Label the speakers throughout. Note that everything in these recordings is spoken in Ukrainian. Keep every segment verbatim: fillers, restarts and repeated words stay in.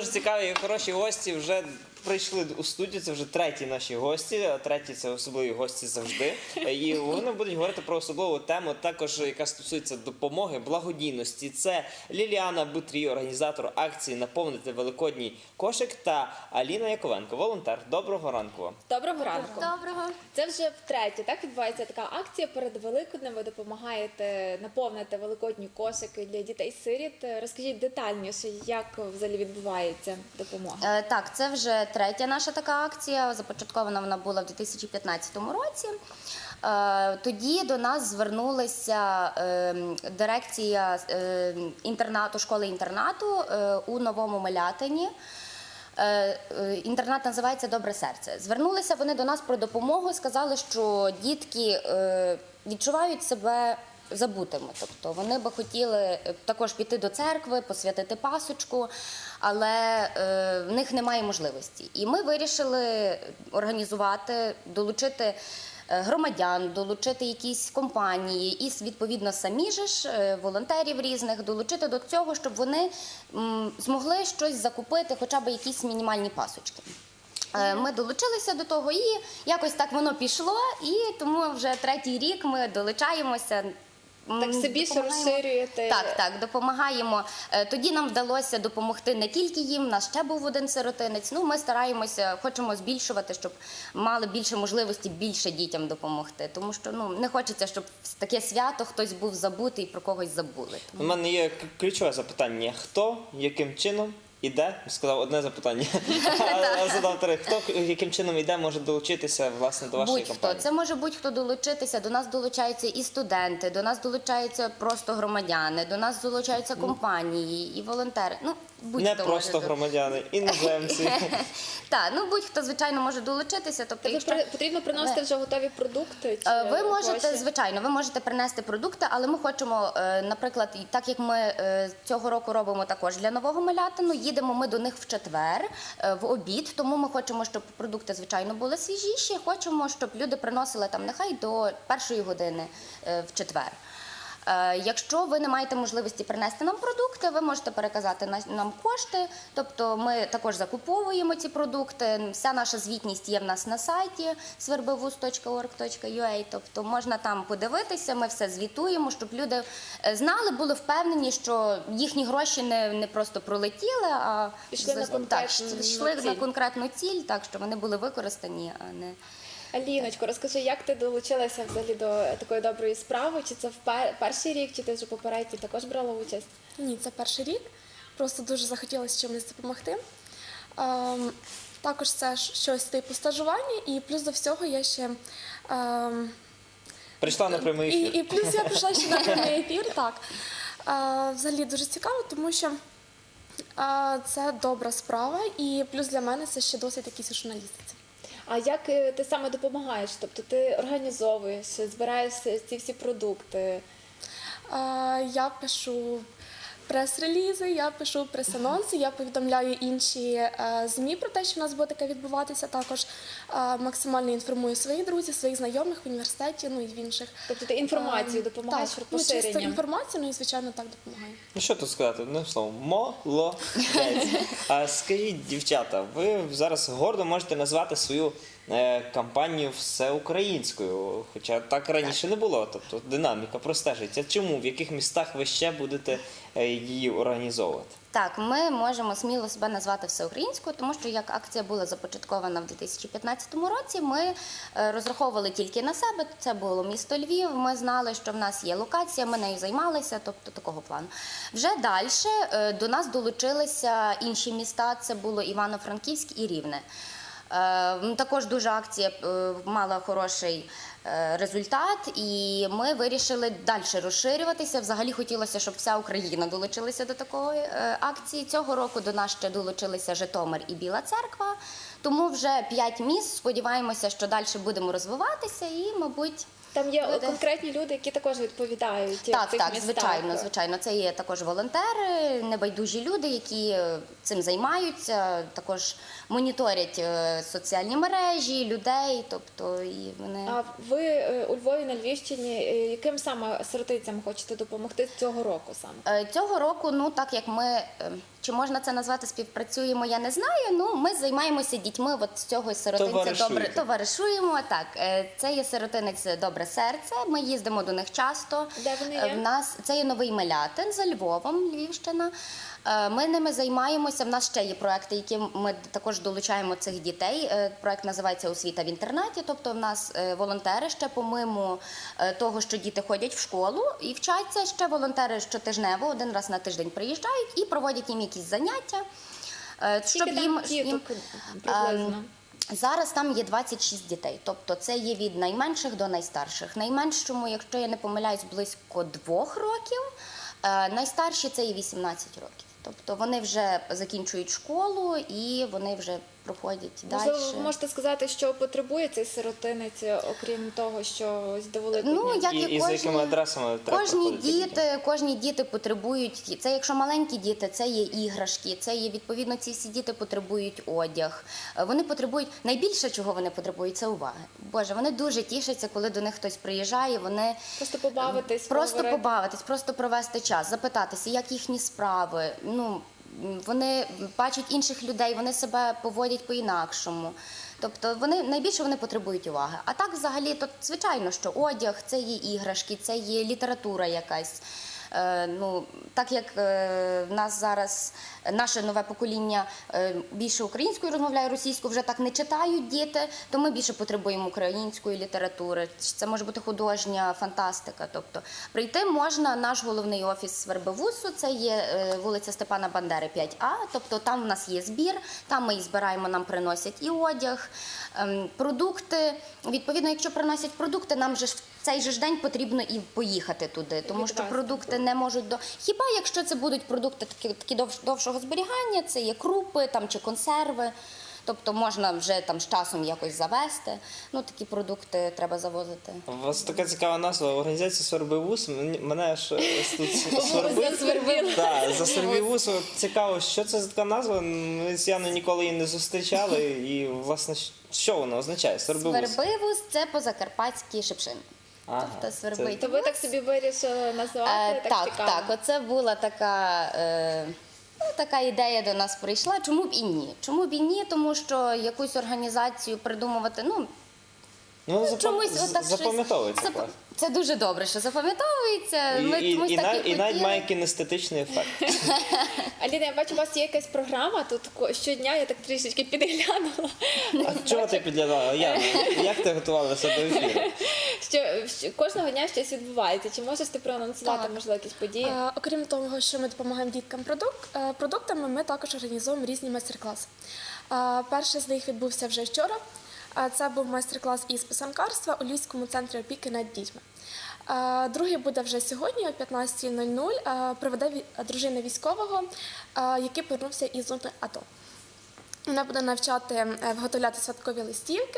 Speaker 1: дуже цікаві і хороші гості вже прийшли у студію, це вже треті наші гості, а треті це особливі гості завжди. І вони будуть говорити про особливу тему, також яка стосується допомоги, благодійності. Це Ліліана Бутрій, організатор акції «Наповнити великодній кошик» та Аліна Яковенко, волонтер. Доброго ранку вам.
Speaker 2: Доброго ранку.
Speaker 3: Доброго.
Speaker 2: Це вже втретє, так відбувається така акція перед Великоднем. Ви допомагаєте наповнити великодні кошики для дітей-сиріт. Розкажіть детальніше, як взагалі відбувається допомога.
Speaker 3: Е, Так, це вже третя наша така акція. Започаткована вона була в дві тисячі п'ятнадцятому році. Е, Тоді до нас звернулася е, дирекція е, інтернату, школи-інтернату е, у Новому Милятині. Е, е, Інтернат називається «Добре серце». Звернулися вони до нас про допомогу, сказали, що дітки е, відчувають себе забутими. Тобто вони би хотіли також піти до церкви, посвятити пасочку, але е, в них немає можливості. І ми вирішили організувати, долучити громадян, долучити якісь компанії і, відповідно, самі же ж, волонтерів різних, долучити до цього, щоб вони м, змогли щось закупити, хоча б якісь мінімальні пасочки. Е, Ми долучилися до того і якось так воно пішло, і тому вже третій рік ми долучаємося.
Speaker 2: Так все більше
Speaker 3: Допомагаємо.
Speaker 2: розширюєте.
Speaker 3: Так, так, допомагаємо. Е, Тоді нам вдалося допомогти не тільки їм, у нас ще був один сиротинець. Ну, ми стараємося, хочемо збільшувати, щоб мали більше можливості більше дітям допомогти. Тому що ну, не хочеться, щоб в таке свято хтось був забутий і про когось забули.
Speaker 1: У мене є к- ключове запитання. Хто, яким чином іде? Сказав одне запитання, а задав три. Хто, яким чином іде, може долучитися, власне, до вашої
Speaker 3: Будь-хто.
Speaker 1: компанії?
Speaker 3: Це може будь-хто долучитися. До нас долучаються і студенти, до нас долучаються просто громадяни, до нас долучаються компанії і волонтери. Ну, будь-хто
Speaker 1: Не
Speaker 3: може
Speaker 1: просто
Speaker 3: долучитися.
Speaker 1: громадяни, іноземці.
Speaker 3: Так, ну будь-хто, звичайно, може долучитися. Тобто,
Speaker 2: Тобто
Speaker 3: якщо...
Speaker 2: при- потрібно приносити вже готові продукти? Чи
Speaker 3: Е, Ви можете,
Speaker 2: гроші?
Speaker 3: звичайно, ви можете принести продукти, але ми хочемо, е, наприклад, і так як ми е, цього року робимо також для Нового Милятину, їдемо ми до них в четвер, е, в обід, тому ми хочемо, щоб продукти, звичайно, були свіжіші, хочемо, щоб люди приносили там нехай до першої години е, в четвер. Е, Якщо ви не маєте можливості принести нам продукти, ви можете переказати на- нам кошти, тобто ми також закуповуємо ці продукти. Вся наша звітність є в нас на сайті свербивуз точка орг точка ю а, тобто можна там подивитися, ми все звітуємо, щоб люди е, знали, були впевнені, що їхні гроші не, не просто пролетіли, а
Speaker 2: Пішли на
Speaker 3: так,
Speaker 2: конкретну
Speaker 3: йшли
Speaker 2: ціль.
Speaker 3: на конкретну ціль, так, що вони були використані, а не...
Speaker 2: Аліночко, розкажи, як ти долучилася взагалі до такої доброї справи? Чи це впер- перший рік, чи ти вже попередній також брала участь?
Speaker 4: Ні, це перший рік. Просто дуже захотілося чимось допомогти. Ем, також це ж щось типу стажування, і плюс до всього я ще. Ем,
Speaker 1: Прийшла на прямий
Speaker 4: і,
Speaker 1: ефір.
Speaker 4: і плюс я прийшла ще на прямий ефір. Так. Е, взагалі дуже цікаво, тому що е, це добра справа, і плюс для мене це ще досить якийсь журналістиці.
Speaker 2: А як е, ти саме допомагаєш? Тобто ти організовуєш, збираєш ці всі продукти?
Speaker 4: Е, я пишу прес-релізи, я пишу прес-анонси, я повідомляю інші е, ЗМІ про те, що в нас буде таке відбуватися. Також е, максимально інформую своїх друзів, своїх знайомих в університеті, ну і в інших.
Speaker 2: Тобто ти інформацію
Speaker 4: Е,
Speaker 2: допомагаєш
Speaker 4: так, ну, чисто
Speaker 2: поширенням?
Speaker 4: інформацію, ну і звичайно так допомагаю.
Speaker 1: Ну що тут сказати, одним словом, молодець. А скажіть, дівчата, ви зараз гордо можете назвати свою е, кампанію всеукраїнською, хоча так раніше не було, тобто динаміка простежиться. Чому, в яких містах ви ще будете е, її організовувати?
Speaker 3: Так, ми можемо сміло себе назвати всеукраїнською, тому що як акція була започаткована в дві тисячі п'ятнадцятому році, ми е, розраховували тільки на себе. Це було місто Львів. Ми знали, що в нас є локація, ми нею займалися, тобто такого плану. Вже далі е, до нас долучилися інші міста. Це було Івано-Франківськ і Рівне. Е, Також дуже акція е, мала хороший е, результат, і ми вирішили далі розширюватися. Взагалі хотілося, щоб вся Україна долучилася до такої е, акції. Цього року до нас ще долучилися Житомир і Біла Церква. Тому вже п'ять міст. Сподіваємося, що далі будемо розвиватися і, мабуть,
Speaker 2: Там є
Speaker 3: Люди.
Speaker 2: конкретні люди, які також відповідають в
Speaker 3: Так,
Speaker 2: цих
Speaker 3: так,
Speaker 2: містах.
Speaker 3: звичайно, звичайно. Це є також волонтери, небайдужі люди, які е, цим займаються, також моніторять е, соціальні мережі, людей, тобто і вони.
Speaker 2: А ви е, у Львові на Львівщині е, яким саме сиротицям хочете допомогти цього року саме?
Speaker 3: Е, Цього року, ну так як ми, е, чи можна це назвати співпрацюємо, я не знаю. Ну ми займаємося дітьми. От з цього сиротинця
Speaker 1: Товаришуєте.
Speaker 3: добре товаришуємо. Так, е, це є сиротинець Добре серце. Ми їздимо до них часто.
Speaker 2: Де вони
Speaker 3: Е,
Speaker 2: є?
Speaker 3: В нас це є Новий Мелятин за Львовом, Львівщина. Е, Ми ними займаємося. В нас ще є проекти, які ми також долучаємо цих дітей. Е, Проект називається Освіта в інтернаті. Тобто, в нас е, волонтери ще помимо е, того, що діти ходять в школу і вчаться. Ще волонтери щотижнево один раз на тиждень приїжджають і проводять їм якісь заняття. е,
Speaker 2: Скільки там
Speaker 3: їм
Speaker 2: діток приблизно?
Speaker 3: Ем, Зараз там є двадцять шість дітей, тобто це є від найменших до найстарших. Найменшому, якщо я не помиляюсь, близько двох років, е, найстарші це є вісімнадцять років. Тобто вони вже закінчують школу і вони вже проходять далі.
Speaker 2: Можливо, ви можете сказати, що потребує цей сиротинець, окрім того, що ось до Великодня?
Speaker 3: Ну, як
Speaker 1: І,
Speaker 3: і,
Speaker 1: і за
Speaker 3: кожні,
Speaker 1: якими адресами треба
Speaker 3: кожні
Speaker 1: проходити дітям?
Speaker 3: діти, кожні діти потребують. Це якщо маленькі діти, це є іграшки, це є відповідно. Ці всі діти потребують одяг. Е, Вони потребують найбільше, чого вони потребують, це уваги. Боже, вони дуже тішаться, коли до них хтось приїжджає. Вони
Speaker 2: Просто побавитись,
Speaker 3: просто
Speaker 2: поговорити.
Speaker 3: побавитись, просто провести час, запитатися, як їхні справи. Ну вони бачать інших людей, вони себе поводять по-інакшому. Тобто вони найбільше вони потребують уваги. А так, взагалі, то звичайно, що одяг це є іграшки, це є література якась. Е, ну, так як е, в нас зараз наше нове покоління е, більше українською розмовляє, російською вже так не читають діти, то ми більше потребуємо української літератури. Це може бути художня фантастика. Тобто прийти можна, наш головний офіс Свербивусу, це є е, вулиця Степана Бандери, п'ять А, тобто там в нас є збір, там ми і збираємо, нам приносять і одяг, ем, продукти. Відповідно, якщо приносять продукти, нам же ж в цей же ж день потрібно і поїхати туди, тому що
Speaker 2: Відвезти.
Speaker 3: продукти не можуть до. Хіба якщо це будуть продукти такі, такі довш, довшого зберігання, це є крупи там чи консерви. Тобто можна вже там з часом якось завести. Ну такі продукти треба завозити.
Speaker 1: У вас така цікава назва організація «Свербивус». Мені- Мене аж ось тут свербить.
Speaker 2: Засвербіло.
Speaker 1: Так, за «Свербивус». От цікаво, що це за така назва? Ми з Яною ніколи її не зустрічали. І, власне, що вона означає? «Свербивус».
Speaker 3: Свербивус це по-закарпатськи шипшин.
Speaker 1: Ага,
Speaker 3: Тобто
Speaker 1: це-
Speaker 3: свербить.
Speaker 2: То ви так собі вирішили назвати?
Speaker 3: Е,
Speaker 2: так,
Speaker 3: так,
Speaker 2: цікаво.
Speaker 3: так, оце була така, е, ну, така ідея до нас прийшла. Чому б і ні? Чому б і ні? Тому що якусь організацію придумувати, ну,
Speaker 1: Ну, запам-
Speaker 3: чомусь
Speaker 1: з-
Speaker 3: отак щось-
Speaker 1: запам'ятовується.
Speaker 3: Зап-
Speaker 1: клас.
Speaker 3: Це дуже добре, що запам'ятовується.
Speaker 1: І,
Speaker 3: Ми
Speaker 1: і,
Speaker 3: чомусь
Speaker 1: і,
Speaker 3: так
Speaker 1: нав-
Speaker 3: і
Speaker 1: і навіть
Speaker 3: хотіли.
Speaker 1: має кінестетичний ефект.
Speaker 2: Аліна, я бачу, у вас є якась програма, тут ко- щодня я так трішечки підглянула.
Speaker 1: А чого ти підглядала? Яна, як ти готувалася до ефіру?
Speaker 2: Що, що кожного дня щось відбувається. Чи можеш ти проанонсувати,
Speaker 4: Так.
Speaker 2: можливо, якісь події?
Speaker 4: Е, Окрім того, що ми допомагаємо діткам продук- е, продуктами, ми також організовуємо різні майстер-класи. Е, Перший з них відбувся вже вчора. Е, Це був майстер-клас із писанкарства у Львівському центрі опіки над дітьми. Е, Другий буде вже сьогодні о п'ятнадцятій нуль нуль. Е, Проведе ві- дружина військового, е, який повернувся із зони АТО. Вона буде навчати е, виготовляти святкові листівки.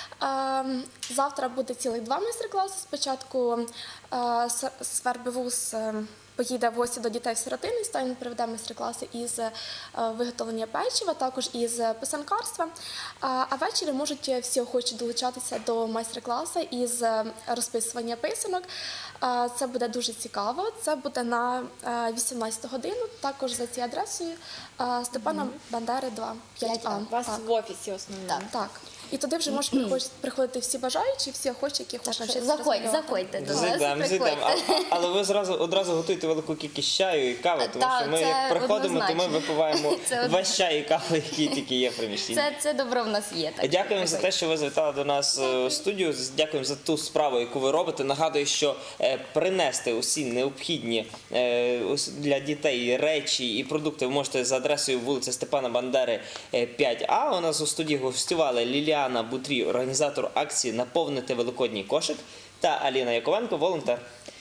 Speaker 4: Е, Завтра буде цілих два майстер-класи. Спочатку е, С- Свербивус е, поїде в гості до дітей в сиротинець, та він проведе майстер-класи із е, виготовлення печива, також із писанкарства. А а ввечері можуть всі охочі долучатися до майстер-класу із е, розписування писанок. Е, Це буде дуже цікаво. Це буде на е, вісімнадцяту годину, також за цією адресою е, Степана Бандери два, п'ять А.
Speaker 2: У вас
Speaker 4: Так.
Speaker 2: в офісі основному.
Speaker 4: Так. І туди вже можуть приходити- приходити всі бажаючі, всі охочі, які хочуть навчитися
Speaker 3: Заходь,
Speaker 4: розмовляти.
Speaker 3: заходьте до нас,
Speaker 1: Зайдемо, зайдемо.
Speaker 3: приходьте.
Speaker 1: А- Але ви зразу одразу готуєте велику кількість чаю і кави, тому
Speaker 3: Та,
Speaker 1: що ми
Speaker 3: це
Speaker 1: як приходимо, то ми
Speaker 3: однозначно.
Speaker 1: випиваємо
Speaker 3: Це
Speaker 1: весь чай і каву, які тільки є в приміщенні.
Speaker 3: Це, це добро в нас є. Так,
Speaker 1: Дякуємо
Speaker 3: що
Speaker 1: за те,
Speaker 3: приходьте.
Speaker 1: що ви завітали до нас е, у студію. Дякуємо за ту справу, яку ви робите. Нагадую, що е, принести усі необхідні е, ус- для дітей речі і продукти ви можете за адресою вулиця Степана Бандери е, п'ять А. У нас у студії гостювали Ліліана Бутрій, організатор акції «Наповнити великодній кошик», та Аліна Яковенко, волонтер.